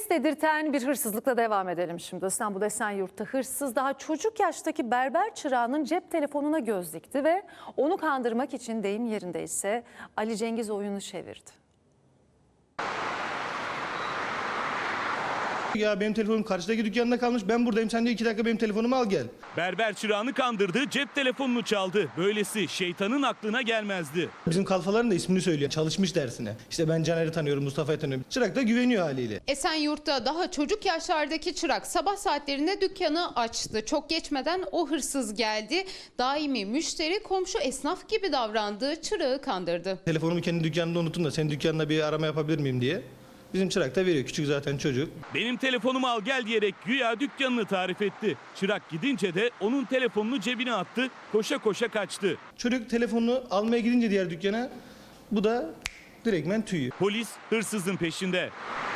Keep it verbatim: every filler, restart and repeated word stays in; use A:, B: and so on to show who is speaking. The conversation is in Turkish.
A: Ses dedirten bir hırsızlıkla devam edelim şimdi. İstanbul Esenyurt'ta hırsız daha çocuk yaştaki berber çırağının cep telefonuna göz dikti ve onu kandırmak için deyim yerindeyse Ali Cengiz oyunu çevirdi.
B: Ya benim telefonum karşıdaki dükkanda kalmış, ben buradayım, sen de iki dakika benim telefonumu al gel.
C: Berber çırağını kandırdı, cep telefonunu çaldı. Böylesi şeytanın aklına gelmezdi.
B: Bizim kalfaların da ismini söylüyor, çalışmış dersine. İşte ben Caner'i tanıyorum, Mustafa'yı tanıyorum. Çırak da güveniyor haliyle.
D: Esenyurt'ta daha çocuk yaşlardaki çırak sabah saatlerinde dükkanı açtı. Çok geçmeden o hırsız geldi. Daimi müşteri komşu esnaf gibi davrandığı çırağı kandırdı.
B: Telefonumu kendi dükkanında unuttum da senin dükkanında bir arama yapabilir miyim diye. Bizim çırak da veriyor, küçük zaten çocuk.
C: Benim telefonumu al gel diyerek güya dükkanını tarif etti. Çırak gidince de onun telefonunu cebine attı, koşa koşa kaçtı.
B: Çocuk telefonunu almaya gidince diğer dükkana, bu da direktmen tüyü.
C: Polis hırsızın peşinde.